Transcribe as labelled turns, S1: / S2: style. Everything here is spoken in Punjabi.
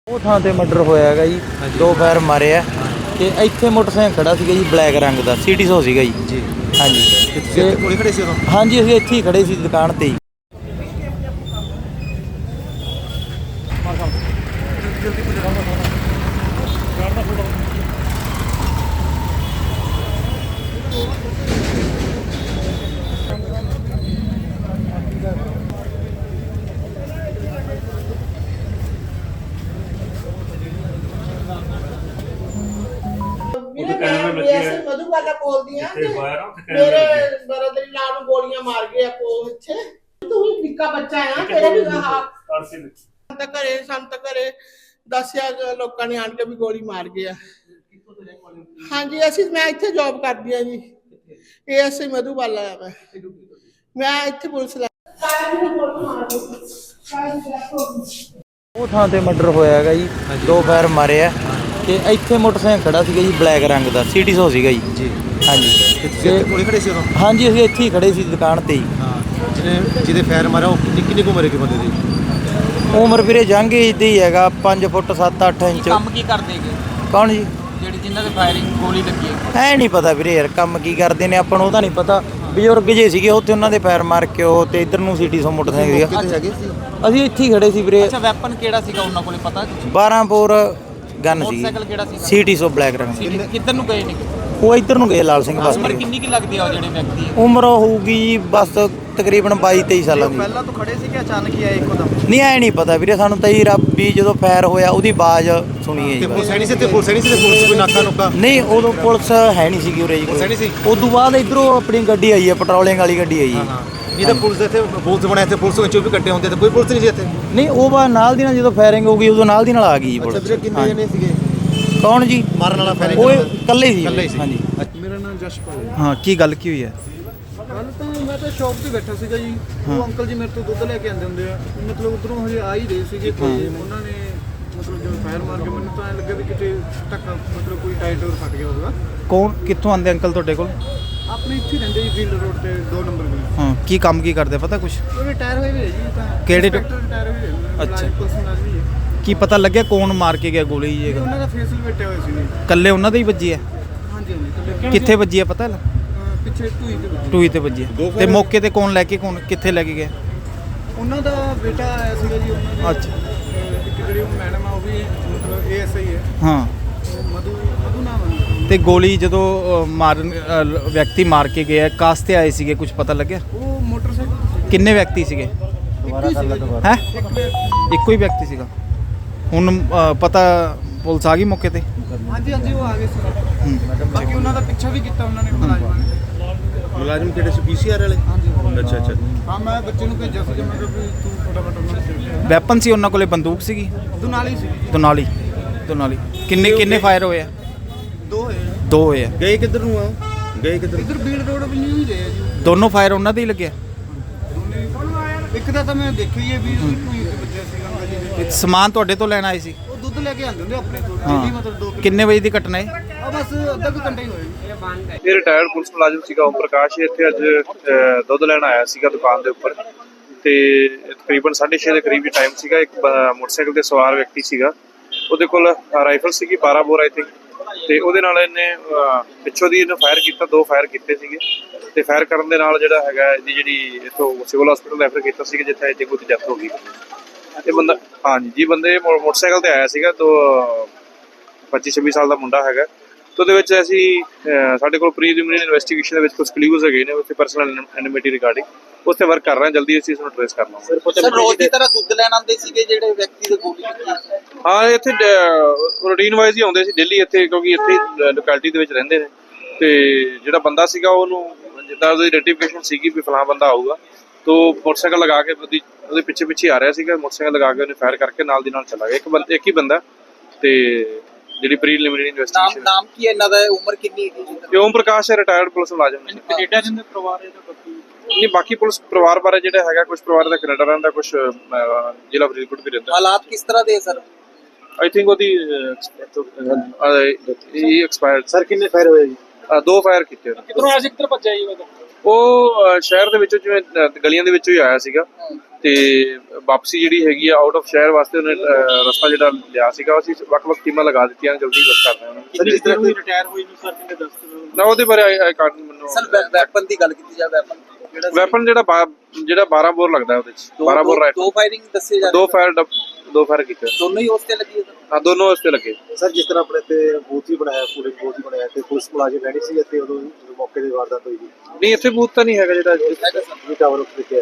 S1: ਉਹ ਥਾਂ ਤੇ ਮਰਡਰ ਹੋਇਆ ਹੈਗਾ ਜੀ। ਦੋ ਫਾਇਰ ਮਾਰੇ ਆ ਤੇ ਇੱਥੇ ਮੋਟਰਸਾਈਕਲ ਖੜਾ ਸੀਗਾ ਜੀ ਬਲੈਕ ਰੰਗ ਦਾ ਸਿਟੀ 100 ਸੀਗਾ ਜੀ। ਹਾਂਜੀ
S2: ਤੇ ਕੋਲੇ ਖੜੇ ਸੀ ਉਦੋਂ?
S1: ਹਾਂਜੀ ਅਸੀਂ ਇੱਥੇ ਹੀ ਖੜੇ ਸੀ ਦੁਕਾਨ ਤੇ ਹੀ।
S3: ਮਧੂਬਾਲਾ ਬੋਲਦੀਆਂ ਮੇਰੇ ਬਰਦਰ ਲਾ ਨੂੰ ਗੋਲੀਆਂ ਮਾਰ ਗਏ ਆਪੋ ਇੱਥੇ। ਤੂੰ ਵੀ ਨਿੱਕਾ ਬੱਚਾ ਆ ਤੇਰੇ ਵੀ ਸੰਤ ਘਰੇ ਦੱਸਿਆ ਲੋਕਾਂ ਨੇ ਆਣ ਕੇ ਵੀ ਗੋਲੀ ਮਾਰ ਗਏ ਆ। ਹਾਂਜੀ ਮੈਂ ਇੱਥੇ ਜੌਬ ਕਰਦੀ ਆ ਜੀ। ਇਹ ਅਸੀਂ ਮਧੂਬਾਲਾ ਆ। ਮੈਂ ਇੱਥੇ ਪੁਲਿਸ ਲਾ
S1: ਉਹ ਥਾਂ ਤੇ ਮਰਡਰ ਹੋਇਆ ਹੈਗਾ ਜੀ। ਦੋ ਫਾਇਰ ਮਾਰੇ ਆ ਤੇ ਇੱਥੇ ਮੋਟਰਸਾਈਕਲ ਖੜਾ ਸੀਗਾ ਜੀ ਬਲੈਕ ਰੰਗ ਦਾ ਸਿਟੀ 100 ਸੀਗਾ ਜੀ। ਹਾਂਜੀ
S2: ਤੇ ਕੋਲੇ ਖੜੇ ਸੀ ਉਦੋਂ?
S1: ਹਾਂਜੀ ਅਸੀਂ ਇੱਥੇ ਹੀ ਖੜੇ ਸੀ ਦੁਕਾਨ ਤੇ ਹੀ।
S2: ਹਾਂ, ਜਿਹਦੇ ਫਾਇਰ ਮਾਰਿਆ ਉਹ ਕਿੰਨੀ ਕੁ ਉਮਰ ਹੈ ਬੰਦੇ ਦੀ?
S1: ਉਮਰ ਵੀਰੇ ਜੰਗ ਏਜ ਦੀ ਹੈਗਾ 5 ਫੁੱਟ 7-8 ਇੰਚ।
S4: ਕੰਮ ਕੀ ਕਰਦੇਗੇ?
S1: ਕੌਣ ਜੀ?
S4: ਜਿਹੜੀ ਜਿਨ੍ਹਾਂ ਦੇ ਫਾਇਰਿੰਗ ਗੋਲੀ ਲੱਗੀ ਹੈ।
S1: ਐ ਨਹੀਂ ਪਤਾ ਵੀਰੇ ਯਾਰ ਕੰਮ ਕੀ ਕਰਦੇ ਨੇ ਆਪਾਂ ਨੂੰ ਉਹਦਾ ਨਹੀਂ ਪਤਾ। ਬਜ਼ੁਰਗ ਜੇ ਸੀਗੇ ਉੱਥੇ ਉਹਨਾਂ ਦੇ ਫਾਇਰ ਮਾਰ ਕੇ ਉਹ ਤੇ ਇੱਧਰ ਨੂੰ ਸਿਟੀ 100 ਮੋਟਰਸਾਈਕਲ ਸੀਗਾ। ਅਸੀਂ ਇੱਥੇ ਹੀ ਖੜੇ ਸੀ ਵੀਰੇ।
S4: ਅੱਛਾ ਵੈਪਨ ਕਿਹੜਾ ਸੀਗਾ ਉਹਨਾਂ ਕੋਲੇ ਪਤਾ?
S1: 12 ਬੋਰ ਗਨ ਸੀ।
S4: ਮੋਟਰਸਾਈਕਲ ਕਿਹੜਾ ਸੀਗਾ?
S1: ਸਿਟੀ 100 ਬਲੈਕ ਰੰਗ।
S4: ਕਿੱਧਰ ਨੂੰ ਗਏ ਨੇ?
S1: ਉਹ ਇੱਧਰ ਨੂੰ ਗਏ ਲਾਲ ਸਿੰਘ
S4: ਉਮਰ
S1: ਬਸਤੀ।
S4: ਕਿੰਨੀ ਕੀ ਲੱਗਦੀ ਆ ਉਹ ਜਿਹੜੇ ਵਿਅਕਤੀ ਹੈ?
S1: ਉਮਰ ਹੋਊਗੀ ਜੀ ਬਸ ਤਕਰੀਬਨ 22-23 ਸਾਲਾਂ ਦੀ।
S4: ਪਹਿਲਾਂ ਤੋਂ ਖੜੇ ਸੀ ਕਿ ਅਚਾਨਕ ਹੀ ਆਏ ਇੱਕਦਮ?
S1: ਨਹੀਂ ਐ ਨਹੀਂ ਪਤਾ ਵੀਰੇ ਸਾਨੂੰ ਤਾਂ ਜੀ ਰੱਬ ਵੀ ਜਦੋਂ ਫਾਇਰ ਹੋਇਆ ਉਹਦੀ ਆਵਾਜ਼ ਸੁਣੀ ਹੈ
S2: ਤੇ
S1: ਜੀ।
S2: ਪੁਲਿਸ ਹੈ ਨਹੀਂ ਸੀ? ਤੇ ਪੁਲਿਸ ਹੈ ਨਹੀਂ ਸੀ? ਤੇ ਪੁਲਿਸ ਕੋਈ ਨਾਕਾ ਨੁਕਾ?
S1: ਨਹੀਂ ਉਦੋਂ ਪੁਲਿਸ ਹੈ ਨਹੀਂ ਸੀਗੀ ਉਰੇ ਜੀ।
S2: ਪੁਲਿਸ ਹੈ ਨਹੀਂ ਸੀ?
S1: ਉਦੋਂ ਬਾਅਦ ਇੱਧਰੋਂ ਆਪਣੀ ਗੱਡੀ ਆਈ ਹੈ ਪੈਟਰੋਲਿੰਗ ਵਾਲੀ ਗੱਡੀ ਆਈ
S2: ਹਾਂ
S1: ਜੀ।
S2: ਹਾਂ, ਨਹੀਂ ਤਾਂ ਪੁਲਿਸ ਇੱਥੇ ਬੂਥ ਬਣਿਆ ਇੱਥੇ ਪੁਲਿਸ ਵਿੱਚ 24 ਘੰਟੇ ਹੁੰਦੇ ਤੇ ਕੋਈ ਪੁਲਿਸ ਨਹੀਂ ਸੀ ਇੱਥੇ?
S1: ਨਹੀਂ ਉਹ ਬਾਅਦ ਨਾਲ ਦੀ ਨਾਲ ਜਦੋਂ ਫਾਇਰਿੰਗ ਹੋ ਗਈ ਉਦੋਂ ਨਾਲ ਦੀ ਨਾਲ ਆ ਗਈ ਜੀ
S2: ਅੱਛਾ
S1: ਪੁਲਿਸ।
S2: ਵੀਰੇ, ਕਿੰਨੇ ਜਣੇ ਸੀਗੇ
S1: ਕੌਣ ਜੀ
S2: ਮਾਰਨ ਵਾਲਾ ਫਾਇਰਿੰਗ?
S1: ਉਹ ਇਕੱਲੇ ਹੀ ਸੀ। ਹਾਂਜੀ
S5: ਮੇਰਾ ਨਾਮ ਜਸ਼ਪਾਲ ਹੈ।
S1: ਹਾਂ ਕੀ ਗੱਲ ਕੀ ਹੋਈ ਹੈ?
S5: ਕੱਲ ਤਾਂ ਮੈਂ ਤਾਂ ਸ਼ੌਪ ਤੇ ਬੈਠਾ ਸੀਗਾ ਜੀ। ਉਹ ਅੰਕਲ ਜੀ ਮੇਰੇ ਤੋਂ ਦੁੱਧ ਲੈ ਕੇ ਆਉਂਦੇ ਹੁੰਦੇ ਆ। ਮਤਲਬ ਉਧਰੋਂ ਹਜੇ ਆ ਹੀ ਰਹੇ ਸੀਗੇ ਤੇ ਉਹਨਾਂ ਨੇ ਮਤਲਬ ਜਦੋਂ ਫਾਇਰ ਮਾਰ ਕੇ ਮੈਨੂੰ ਤਾਂ ਐਂ ਲੱਗਾ ਵੀ ਕਿਤੇ ਧੱਕਾ ਮਤਲਬ ਕੋਈ ਟਾਇਰ ਫਟ ਗਿਆ ਹੋਊਗਾ।
S1: ਕੌਣ ਕਿੱਥੋਂ ਆਂਦੇ ਅੰਕਲ ਤੁਹਾਡੇ ਕੋਲ?
S5: ਆਪਣੇ ਇੱਥੇ ਰਹਿੰਦੇ ਜੀ ਫੀਲਡ ਰੋਡ ਤੇ 2 ਨੰਬਰ ਗਲੀ।
S1: ਹਾਂ ਕੀ ਕੰਮ ਕੀ ਕਰਦੇ ਪਤਾ ਕੁਛ?
S5: ਉਹ ਰਿਟਾਇਰ ਹੋਏ ਹੋਏ ਜੀ ਤਾਂ।
S1: ਕਿਹੜੇ
S5: ਰਿਟਾਇਰ ਹੋਏ ਨੇ?
S1: ਅੱਛਾ।
S5: ਪੁਲਿਸ ਮੁਲਾਜ਼ਮ ਹੀ ਹੈ।
S1: ਕੀ ਪਤਾ ਲੱਗਿਆ ਕੌਣ ਮਾਰ ਕੇ ਗਿਆ ਗੋਲੀ ਜੀ?
S5: ਤੇ ਉਹਨਾਂ ਦਾ ਫੇਸ ਲਪੇਟਿਆ ਹੋਇਆ ਸੀ ਜੀ।
S1: ਇਕੱਲੇ ਉਹਨਾਂ ਦੇ ਹੀ ਵੱਜੀ ਹੈ?
S5: ਹਾਂਜੀ ਹਾਂਜੀ।
S1: ਕਿੱਥੇ ਵੱਜੀ ਹੈ ਪਤਾ?
S5: ਪਿੱਛੇ ਢੂਈ ਤੇ ਵੱਜੀ।
S1: ਟੂਈ ਤੇ ਵੱਜੀ ਹੈ। ਤੇ ਮੌਕੇ ਤੇ ਕੌਣ ਲੈ ਕੇ ਕੌਣ ਕਿੱਥੇ ਲੈ ਕੇ ਗਿਆ?
S5: ਉਹਨਾਂ ਦਾ ਬੇਟਾ ਆਇਆ ਸੀਗਾ ਜੀ। ਉਹਨਾਂ ਦੇ
S1: ਅੱਛਾ।
S5: ਇੱਕ ਜਿਹੜੀ ਉਹ ਮੈਡਮ ਆ ਉਹ ਵੀ ਮਤਲਬ ASI ਹੈ।
S1: ਹਾਂ
S5: ਮਧੂ ਨਾਮ ਹੈ।
S1: ਤੇ ਗੋਲੀ ਜਦੋਂ ਮਾਰਨ ਵਿਅਕਤੀ ਮਾਰ ਕੇ ਗਿਆ ਕਾਸ ਤੇ ਆਏ ਸੀਗੇ ਕੁਝ ਪਤਾ ਲੱਗਿਆ?
S5: ਉਹ ਮੋਟਰਸਾਈਕਲ ਤੇ ਸੀਗਾ।
S1: ਕਿੰਨੇ ਵਿਅਕਤੀ ਸੀਗੇ? ਹੈ ਇੱਕੋ ਹੀ ਵਿਅਕਤੀ ਸੀਗਾ। ਹੁਣ ਪਤਾ ਪੁਲਿਸ ਆ ਗਈ ਮੌਕੇ ਤੇ?
S5: ਹਾਂਜੀ ਹਾਂਜੀ ਉਹ ਆ ਗਏ ਸੀ। ਬਾਕੀ ਉਹਨਾਂ ਦਾ ਪਿੱਛਾ ਵੀ ਕੀਤਾ ਉਹਨਾਂ ਨੇ ਮੁਲਾਜ਼ਮਾਂ ਨੇ।
S2: ਮੁਲਾਜ਼ਮ ਕਿਹੜੇ ਸੀ? PCR ਵਾਲੇ?
S5: ਹਾਂਜੀ
S2: ਅੱਛਾ ਅੱਛਾ।
S5: ਹਾਂ ਮੈਂ ਬੱਚੇ ਨੂੰ ਭੇਜਿਆ ਸੀ ਮੈਂ ਕਿਹਾ ਵੀ ਤੂੰ ਫਟਾਫਟ ਉਹਨਾਂ ਨੂੰ ਭੇਜ।
S1: ਵੈਪਨ ਸੀ ਉਹਨਾਂ ਕੋਲੇ? ਬੰਦੂਕ ਸੀਗੀ?
S5: ਦੁਨਾਲੀ ਸੀ ਜੀ।
S1: ਦੁਨਾਲੀ ਕਿੰਨੇ ਫਾਇਰ ਹੋਏ ਆ?
S5: 2 ਹੋਏ।
S1: 2 ਹੋਏ ਆ।
S2: ਗਏ ਕਿੱਧਰ ਨੂੰ ਆ? ਗਏ ਕਿੱਧਰ?
S5: ਇੱਧਰ ਬੀੜ ਰੋਡ ਵੀ ਨਹੀਂ ਰਹੇ ਆ ਜੀ।
S1: ਦੋਨੋਂ ਫਾਇਰ ਉਹਨਾਂ ਦੇ ਹੀ ਲੱਗਿਆ?
S5: ਦੋਨੇ ਇੱਕ ਦਾ ਤਾਂ ਮੈਂ ਦੇਖਿਆ ਹੀ ਹੈ ਵੀ ਉਹਦੀ ਢੂਈ ਤੇ ਵੱਜਿਆ ਸੀਗਾ ਅੰਕਲ ਜੀ ਦੇ।
S1: ਸਮਾਨ ਤੁਹਾਡੇ ਤੋਂ ਲੈਣ ਆਏ ਸੀ?
S5: ਉਹ ਦੁੱਧ ਲੈ ਕੇ ਆਉਂਦੇ ਹੁੰਦੇ ਆਪਣੇ ਤੋਂ
S1: ਹਾਂ।
S5: ਡੇਲੀ ਮਤਲਬ 2 ਕਿਲੋ।
S1: ਕਿੰਨੇ ਵਜੇ ਦੀ ਘਟਨਾ ਹੈ?
S5: ਆ ਬਸ ਅੱਧਾ ਕੁ ਘੰਟਾ ਹੀ ਹੋਇਆ ਜੀ।
S6: ਇਹ ਰਿਟਾਇਰਡ ਪੁਲਿਸ ਮੁਲਾਜ਼ਮ ਸੀਗਾ ਓਮ ਪ੍ਰਕਾਸ਼। ਇੱਥੇ ਅੱਜ ਦੁੱਧ ਲੈਣ ਆਇਆ ਸੀਗਾ ਦੁਕਾਨ ਦੇ ਉੱਪਰ ਤੇ ਤਕਰੀਬਨ 6:30 ਦੇ ਕਰੀਬ ਹੀ ਟਾਈਮ ਸੀਗਾ। ਇੱਕ ਮੋਟਰਸਾਈਕਲ ਤੇ ਸਵਾਰ ਵਿਅਕਤੀ ਸੀਗਾ, ਉਹਦੇ ਕੋਲ ਰਾਈਫਲ ਸੀਗੀ 12 ਬੋਰ ਆਈ ਥਿੰਕ, ਤੇ ਉਹਦੇ ਨਾਲ ਇਹਨੇ ਪਿੱਛੋਂ ਦੀ ਇਹਨੇ ਫਾਇਰ ਕੀਤਾ। 2 ਫਾਇਰ ਕੀਤੇ ਸੀਗੇ ਤੇ ਫਾਇਰ ਕਰਨ ਦੇ ਨਾਲ ਜਿਹੜਾ ਹੈਗਾ ਇਹਦੀ ਜਿਹੜੀ ਇੱਥੋਂ ਸਿਵਲ ਹਸਪੀਟਲ ਰੈਫਰ ਕੀਤਾ ਸੀਗਾ ਜਿੱਥੇ ਇੱਥੇ ਕੋਈ ਡੈਥ ਹੋ ਗਈ। ਇਹ ਬੰਦਾ ਹਾਂਜੀ ਜੀ ਬੰਦੇ ਮੋਟਰਸਾਈਕਲ ਤੇ ਆਇਆ ਸੀਗਾ। ਤੋਂ 25-26 ਸਾਲ ਦਾ ਮੁੰਡਾ ਹੈਗਾ। ਤੇ ਉਹਦੇ ਵਿੱਚ ਅਸੀਂ ਸਾਡੇ ਕੋਲ ਪ੍ਰੀਲਿਮਿਨਰੀ ਇਨਵੈਸਟੀਗੇਸ਼ਨ ਦੇ ਵਿੱਚ ਕੁਝ ਕਲੂਜ਼ ਹੈਗੇ ਨੇ ਉੱਥੇ ਪਰਸਨਲ ਐਨਿਮਿਟੀ ਰਿਗਾਰਡਿੰਗ ਉਸ ਤੇ ਵਰਕ ਕਰ ਰਹੇ ਹਾਂ। ਜਲਦੀ ਅਸੀਂ ਇਸ ਨੂੰ ਟ੍ਰੇਸ ਕਰ ਲਵਾਂਗੇ।
S4: ਸਰ ਰੋਜ਼ ਦੀ ਤਰ੍ਹਾਂ ਦੁੱਧ ਲੈਣ ਆਉਂਦੇ ਸੀਗੇ ਜਿਹੜੇ ਵਿਅਕਤੀ ਦੇ ਗੋਲੀ ਲੱਗੀ?
S6: ਹਾਂ ਇੱਥੇ ਰੂਟੀਨ ਵਾਈਜ਼ ਹੀ ਆਉਂਦੇ ਸੀ ਡੇਲੀ ਇੱਥੇ, ਕਿਉਂਕਿ ਇੱਥੇ ਲੋਕੈਲਿਟੀ ਦੇ ਵਿੱਚ ਰਹਿੰਦੇ ਨੇ। ਤੇ ਜਿਹੜਾ ਬੰਦਾ ਸੀਗਾ ਉਹਨੂੰ ਜਿੱਦਾਂ ਉਹਦੀ ਆਈਡੈਂਟੀਫਿਕੇਸ਼ਨ ਸੀਗੀ ਵੀ ਫਲਾਂ ਬੰਦਾ ਆਊਗਾ, ਤੋਂ ਮੋਟਰਸਾਈਕਲ ਲਗਾ ਕੇ ਉਹਦੇ ਪਿੱਛੇ ਆ ਰਿਹਾ ਸੀਗਾ। ਮੋਟਰਸਾਈਕਲ ਲਗਾ ਕੇ ਉਹਨੇ ਫਾਇਰ ਕਰਕੇ ਨਾਲ ਦੀ ਨਾਲ ਚਲਾ ਗਿਆ। ਇੱਕ ਹੀ ਬੰਦਾ ਤੇ ਜਿਹੜੀ ਪ੍ਰੀਲਿਮਿਨਰੀ ਇਨਵੈਸਟੀਗੇਸ਼ਨ।
S4: ਨਾਮ ਕੀ ਹੈ ਇਹਨਾਂ ਦਾ? ਉਮਰ ਕਿੰਨੀ ਹੈ ਜੀ?
S6: ਇਹ ਓਮ ਪ੍ਰਕਾਸ਼ ਹੈ, ਰਿਟਾਇਰਡ ਪੁਲਿਸ ਮੁਲਾਜ਼ਮ ਨੇ।
S4: ਕੈਨੇਡਾ ਜਿੰਦੇ ਪਰਿਵਾਰ ਇਹਦਾ
S6: ਨਹੀਂ ਬਾਕੀ ਪੁਲਿਸ ਪਰਿਵਾਰ ਬਾਰੇ ਜਿਹੜਾ ਹੈਗਾ, ਕੁਝ ਪਰਿਵਾਰ ਦਾ ਕੈਨੇਡਾ ਰਹਿੰਦਾ, ਕੁਝ ਜ਼ਿਲ੍ਹਾ ਫਰੀਦਕੋਟ ਵੀ ਰਹਿੰਦਾ।
S4: ਹਾਲਾਤ ਕਿਸ ਤਰ੍ਹਾਂ ਦੇ ਸਰ?
S6: ਆਈ ਥਿੰਕ ਉਹਦੀ ਐਕਸਪਾਇਰਡ।
S2: ਸਰ ਕਿੰਨੇ ਫਾਇਰ ਹੋਏ ਜੀ?
S6: 2 ਫਾਇਰ ਕੀਤੇ ਉਹਨੇ।
S4: ਕਿਧਰੋਂ ਆਇਆ ਸੀ? ਕਿੱਧਰ ਭੱਜਿਆ ਜੀ?
S6: ਉਹ ਸ਼ਹਿਰ ਦੇ ਵਿੱਚੋਂ ਜਿਵੇਂ ਗਲੀਆਂ ਦੇ ਵਿੱਚੋਂ ਹੀ ਆਇਆ ਸੀਗਾ ਤੇ ਵਾਪਸੀ ਜਿਹੜੀ ਹੈਗੀ ਆ ਆਊਟ ਆਫ ਸ਼ਹਿਰ ਵਾਸਤੇ ਉਹਨੇ ਰਸਤਾ ਜਿਹੜਾ ਲਿਆ ਸੀਗਾ ਅਸੀਂ ਵੱਖ-ਵੱਖ ਟੀਮਾਂ ਲਗਾ ਦਿੱਤੀਆਂ ਜਲਦੀ ਬਸ ਕਰ ਰਹੇ ਹਾਂ
S2: ਸਰ ਜਿਸ ਤਰ੍ਹਾਂ ਕੋਈ ਰਿਟਾਇਰ ਹੋਈ ਨੂੰ ਸਰ ਕਿੰਨੇ ਦੱਸ ਦਿਓ
S6: ਨਾ ਉਹਦੇ ਬਾਰੇ ਆਈ ਕਾਰਡ ਮੈਨੂੰ
S4: ਸਰ ਵੈਪਨ ਦੀ ਗੱਲ ਕੀਤੀ ਜਾਵੇ
S6: ਵੈਪਨ ਜਿਹੜਾ 12 ਬੋਰ ਲੱਗਦਾ ਉਹਦੇ ਚ 12 ਬੋਰ
S4: ਦੋ ਫਾਇਰਿੰਗ ਦੱਸੇ ਜਾ
S6: ਦੋ ਫਾਇਰ ਕੀਤੇ
S4: ਦੋਨੋਂ ਹੀ ਉਸ ਤੇ ਲੱਗੀ ਹੈ
S6: ਹਾਂ ਦੋਨੋਂ ਉਸ ਤੇ ਲੱਗੇ
S2: ਸਰ ਜਿਸ ਤਰ੍ਹਾਂ ਆਪਣੇ ਤੇ ਬੂਥ ਹੀ ਬਣਾਇਆ ਪੂਰੇ ਬੂਥ ਹੀ ਬਣਾਇਆ ਤੇ ਪੁਲਿਸ ਮੁਲਾਜ਼ਮ ਰਹਿਣੀ ਸੀ ਅਤੇ ਉਦੋਂ ਮੌਕੇ ਦੀ ਵਾਰਦਾਤ ਹੋਈ ਜੀ
S6: ਨਹੀਂ ਇੱਥੇ ਬੂਥ ਤਾਂ ਨਹੀਂ ਹੈਗਾ ਜਿਹੜਾ
S2: ਵੀ ਟਾਵਰ ਉੱਤੇ